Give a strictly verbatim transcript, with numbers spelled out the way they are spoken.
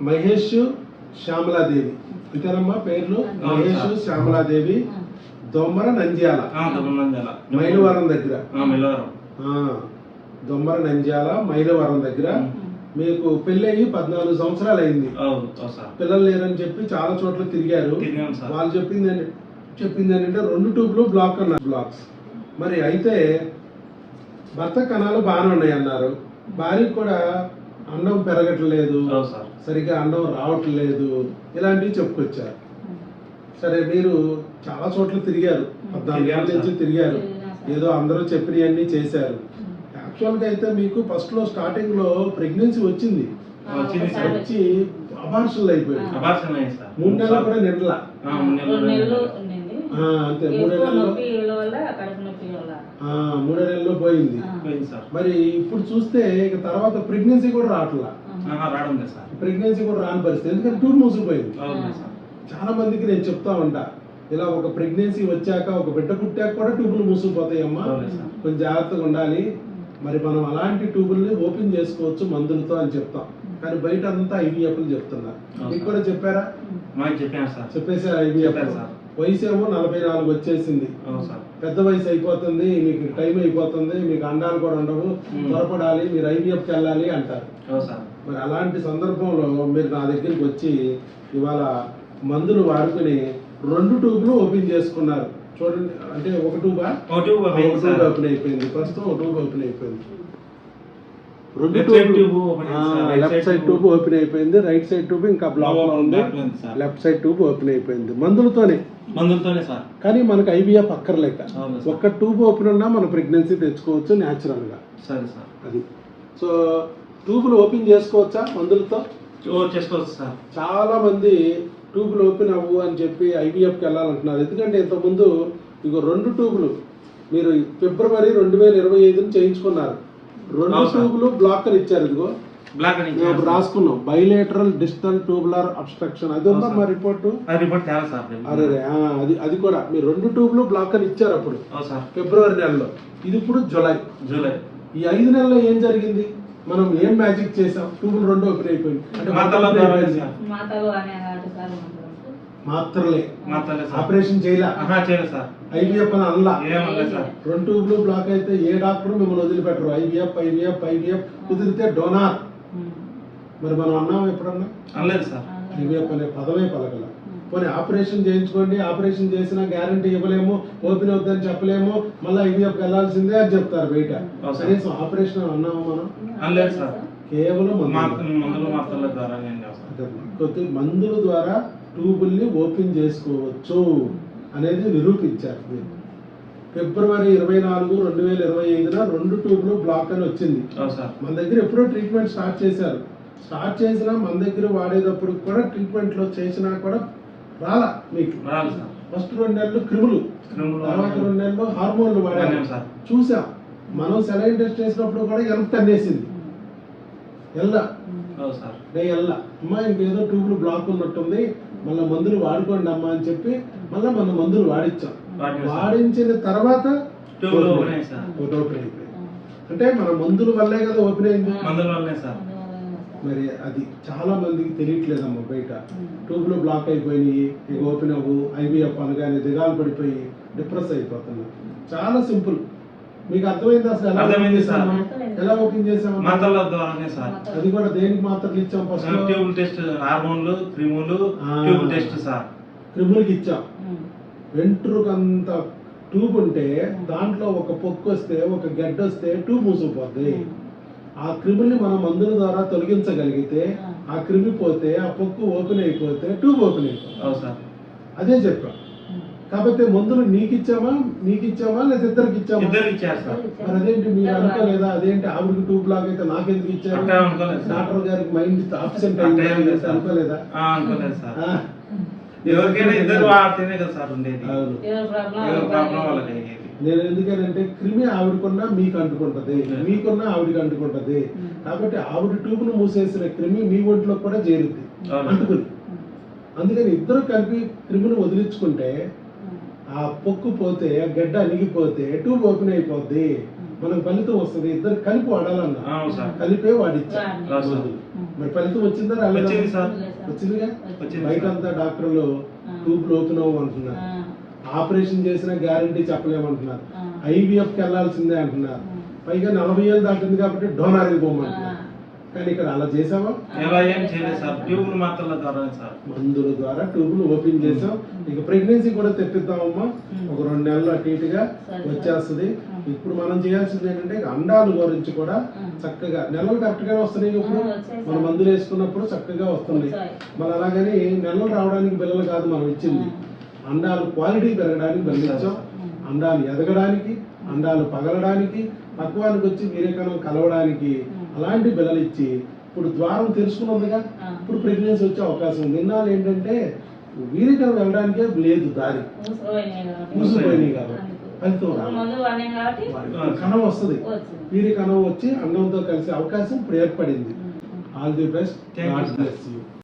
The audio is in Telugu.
మహేష్ శ్యామలాదేవి అంతేనమ్మా పేర్లు? మహేష్ శ్యామలాదేవి, దొమ్మర నంద్యాల, మైలవరం దగ్గర. దొమ్మర నంద్యాల మైలవరం దగ్గర. మీకు పెళ్లి అయ్యి పద్నాలుగు సంవత్సరాలు అయింది. పిల్లలు లేరని చెప్పి చాలా చోట్ల తిరిగారు. వాళ్ళు చెప్పింది చెప్పింది ఏంటంటే రెండు ట్యూబ్లు బ్లాక్ అన్నారు, బ్లాక్స్. మరి అయితే భర్త కణాలు బాగానే ఉన్నాయి అన్నారు. భార్యకు కూడా అండం పెరగట్లేదు, సరిగ్గా అండం రావట్లేదు, ఇలాంటివి చెప్పుకొచ్చారు. సరే మీరు చాలా చోట్ల తిరిగారు, పద్నాలుగు ఏళ్ళ నుంచి తిరిగారు, ఏదో అందరూ చెప్పినవన్నీ చేశారు. యాక్చువల్గా అయితే మీకు ఫస్ట్ లో స్టార్టింగ్ లో ప్రెగ్నెన్సీ వచ్చింది, వచ్చి అబార్షన్లు అయిపోయింది. మూడు నెలలు కూడా నిండలా, అంతే మూడే నెలల్లో మూడే నెలల్లో పోయింది. మరి ఇప్పుడు చూస్తే ఇక తర్వాత ప్రెగ్నెన్సీ కూడా రావట్లా, ప్రెగ్నెన్సీ కూడా రాని పరిస్థితి, ఎందుకంటే ట్యూబ్ మూసిపోయింది. చాలా మందికి నేను చెప్తా ఉంటా, ఇలా ఒక ప్రెగ్నెన్సీ వచ్చాక ఒక బిడ్డ పుట్టాక కూడా ట్యూబులు మూసిపోతాయి అమ్మా, కొంచెం జాగ్రత్తగా ఉండాలి. మరి మనం అలాంటి ట్యూబుల్ని ఓపెన్ చేసుకోవచ్చు మందులతో అని చెప్తాం, కానీ బయట అంతా ఐవీఎఫ్లు చెప్తున్నారు. మీకు కూడా చెప్పారా? చెప్పేసారు ఐవీఎఫ్. వయసు ఏమో నలభై నాలుగు వచ్చేసింది, పెద్ద వయసు అయిపోతుంది, మీకు టైం అయిపోతుంది, మీకు అండాలు కూడా ఉండవు, త్వరపడాలి, మీరు ఐవీఎఫ్కి వెళ్ళాలి అంటారు. మరి అలాంటి సందర్భంలో మీరు నా దగ్గరికి వచ్చి ఇవాళ మందులు వాడుకుని రెండు ట్యూబ్లు ఓపెన్ చేసుకున్నారు. చూడండి, అంటే ఒక ట్యూబా ట్యూబ్ ఓపెన్ అయిపోయింది, ప్రస్తుతం ఒక ట్యూబ్ ఓపెన్ అయిపోయింది. రెండు tube, left side tube open అయిపోయింది, రైట్ సైడ్ ట్యూబ్ ఇంకా బ్లాక్ లో ఉంది, లెఫ్ట్ సైడ్ ట్యూబ్ ఓపెన్ అయిపోయింది. మందులతోనే మందులతోనే సార్, కానీ మనకు ఐవీఎఫ్ అక్కర్లేక ఒక్క ట్యూబ్ ఓపెన్ ఉన్నా మనం ప్రెగ్నెన్సీ తెచ్చుకోవచ్చు న్యాచురల్ గా. సరే సార్, అది. సో ట్యూబ్లు ఓపెన్ చేసుకోవచ్చా మందులతో? చేసుకోవచ్చు సార్. చాలా మంది ట్యూబ్లు ఓపెన్ అవ్వు అని చెప్పి ఐవీఎఫ్కి వెళ్ళాలంటున్నారు. ఎందుకంటే ఇంతకుముందు ఇగో రెండు ట్యూబ్లు మీరు ఫిబ్రవరి రెండు వేల ఇరవై ఐదుని చేయించుకున్నారు, రెండు ట్యూబ్లు బ్లాక్ అని ఇచ్చారు. ఇదిగో బ్లాక్ అని రాసుకున్నాం, బైలేటరల్ డిస్టల్ ట్యూబులర్ అబ్స్ట్రక్షన్. అది ఉందా మా రిపోర్టు? అరే అది అది కూడా మీరు రెండు ట్యూబ్లు బ్లాక్ అని ఇచ్చారు అప్పుడు ఫిబ్రవరి నెలలో. ఇది ఇప్పుడు జూలై. జూలై ఈ ఐదు నెలల్లో ఏం జరిగింది? మనం ఏం మ్యాజిక్ చేసాం? ట్యూబులు రెండు ఓపెన్ అయిపోయింది. అంటే మాత్రలే ఆపరేషన్ చేయలే, ఐవీఎఫ్ అని అనలా. రెండు ట్యూబ్లు బ్లాక్ అయితే ఏ డాక్టర్ మిమ్మల్ని వదిలిపెట్టరు. ఐవీఎఫ్ ఐవీఎఫ్ ఐవీఎఫ్ కుదిరితే డోనార్. మరి మనం అన్నాం ఎప్పుడన్నా? అనలేదు సార్. ఐవీఎఫ్ అనే పదమే పలకల. పోనీ ఆపరేషన్ చేయించుకోండి, ఆపరేషన్ చేసినా గ్యారంటీ ఇవ్వలేము, ఓపెన్ అవుతుందని చెప్పలేము, మళ్ళీ ఐవీఎఫ్ వెళ్ళాల్సిందే అని చెప్తారు బయట. కనీసం ఆపరేషన్ అన్నాము మనం? అనలేదు సార్. కేవలం కొద్ది మందుల ద్వారా ట్యూబుల్ని ఓపెన్ చేసుకోవచ్చు అనేది నిరూపించారు. ఫిబ్రవరి ఇరవై నాలుగు రెండు వేల ఇరవై ఐదున రెండు ట్యూబ్లు బ్లాక్ అని వచ్చింది. మన దగ్గర ఎప్పుడో ట్రీట్మెంట్ స్టార్ట్ చేశారు. స్టార్ట్ చేసినా మన దగ్గర వాడేటప్పుడు కూడా ట్రీట్మెంట్ లో చేసినా కూడా రాలా మీకు. ఫస్ట్ రెండు నెలలు క్రిములు, తర్వాత రెండు నెలలు హార్మోన్లు వాడాము. చూసాం మనం సెలైన్ టెస్ట్ చేసినప్పుడు కూడా ఎంత అనేసింది ఎల్లా ఎల్లా అమ్మా ఇంకేదో ట్యూబ్లు బ్లాక్ ఉన్నట్టుంది, మళ్ళీ మందులు వాడుకోండి అమ్మా అని చెప్పి మళ్ళీ మన మందులు వాడించాం. వాడించిన తర్వాత ఓపెన్ అయిపోయింది. అంటే మన మందుల వల్లే కదా ఓపెన్ అయింది. మరి అది చాలా మందికి తెలియట్లేదమ్మా బయట. ట్యూబ్లు బ్లాక్ అయిపోయినాయి, ఇక ఓపెన్ అవ్వు, ఐవీఎఫ్ అనగానే దిగాలు పడిపోయి డిప్రెస్ అయిపోతున్నారు. చాలా సింపుల్. మీకు అర్థమైంది అసలు ఎలా ఓపెన్ చేసాము? ఎలా ఓపెన్ చేసాము? అది కూడా దేనికి మాత్రలు ఇచ్చాం? ఫస్ట్ హార్మోన్లు, క్రిములు, ట్యూబ్ టెస్ట్ సార్. క్రిములకి ఇచ్చాం. వెంట్రుకంత ట్యూబ్ ఉంటే దాంట్లో ఒక పొక్కు వస్తే, ఒక గడ్డ వస్తే ట్యూబ్ మూసుకుపోద్ది. ఆ క్రిముల్ని మనం మందుల ద్వారా తొలగించగలిగితే, ఆ క్రిమి పోతే, ఆ పొక్కు ఓపెన్ అయిపోతే ట్యూబ్ ఓపెన్ అయిపోతుంది. అదే చెప్పాం. కాకపోతే మందులు నీకు ఇచ్చామా, మీకు ఇచ్చామా, లేదా ఇద్దరికి ఇచ్చామా? మరి అదేంటి మీరు అనుకోలేదా? అదేంటి ఆవిడకి ట్యూబ్ బ్లాక్ అయితే నాకెందుకు ఇచ్చారు? డాక్టర్ గారికి మైండ్ అబ్సెంట్ అయింది అనుకోలేదా? నేను ఎందుకనంటే క్రిమి ఆవిడకున్నా మీకు అంటుకుంటది, మీకున్నా ఆవిడకి అంటుకుంటది. కాబట్టి ఆవిడ ట్యూబ్ ను మూసేసిన క్రిమి మీ ఒంట్లో కూడా చేరుద్ది అంటుకుని. అందుకని ఇద్దరు కలిపి క్రిమిని వదిలించుకుంటే ఆ పొక్కు పోతే, ఆ గడ్డ అణిగిపోతే ట్యూబ్ ఓపెన్ అయిపోద్ది, మనకు ఫలితం వస్తుంది. ఇద్దరు కలిపి వాడాలన్నా కలిపే వాడిచ్చా. మరి ఫలితం వచ్చిందా రాలేదా? వచ్చింది సార్. వచ్చిందిగా. వచ్చింది బయట సార్. అంతా డాక్టర్లు ట్యూబ్లు ఓపెన్ అవ్వమంటున్నారు, ఆపరేషన్ చేసిన గ్యారంటీ చెప్పలేమంటున్నారు, ఐవీఎఫ్ కి వెళ్లాల్సిందే అంటున్నారు, పైగా నలభై ఏళ్ళు దాటింది కాబట్టి డోనార్కి పోమంటున్నారు. కానీ ఇక్కడ అలా చేసావా? ఎలా ఏం చేయలేదు సార్, ట్యూబ్లు మాత్రల ద్వారా సార్, మందుల ద్వారా ట్యూబ్లు ఓపెన్ చేసాం. ఇక ప్రెగ్నెన్సీ కూడా తెప్పిద్దామమ్మా, ఒక రెండు నెలలు అటు ఇటుగా వచ్చేస్తుంది. ఇప్పుడు మనం చేయాల్సింది ఏంటంటే అండాల గురించి కూడా చక్కగా నెలలు కరెక్ట్ గా వస్తున్నాయి. ఇప్పుడు మన మందులు వేసుకున్నప్పుడు చక్కగా వస్తున్నాయి. మన అలాగని నెలలు రావడానికి బిల్లలు కాదు మనం ఇచ్చింది, అండాలు క్వాలిటీ పెరగడానికి బలించాం, అండాలు ఎదగడానికి, అండాలు పగలడానికి, పక్వానికి వచ్చి వీరేకణం కలవడానికి అలాంటి బిల్లలు ఇచ్చి ఇప్పుడు ద్వారం తెలుసుకున్నదిగా. ఇప్పుడు ప్రెగ్నెన్సీ వచ్చే అవకాశం ఉంది. ఇన్నాళ్ళు ఏంటంటే వీరేకణం వెళ్ళడానికే లేదు, దారి మూసిపోయినాయి కాబట్టి ఫలితం రాదు. కణం వస్తుంది, వీరి కణం వచ్చి అండంతో కలిసే అవకాశం ఇప్పుడు ఏర్పడింది. All the best. God bless you.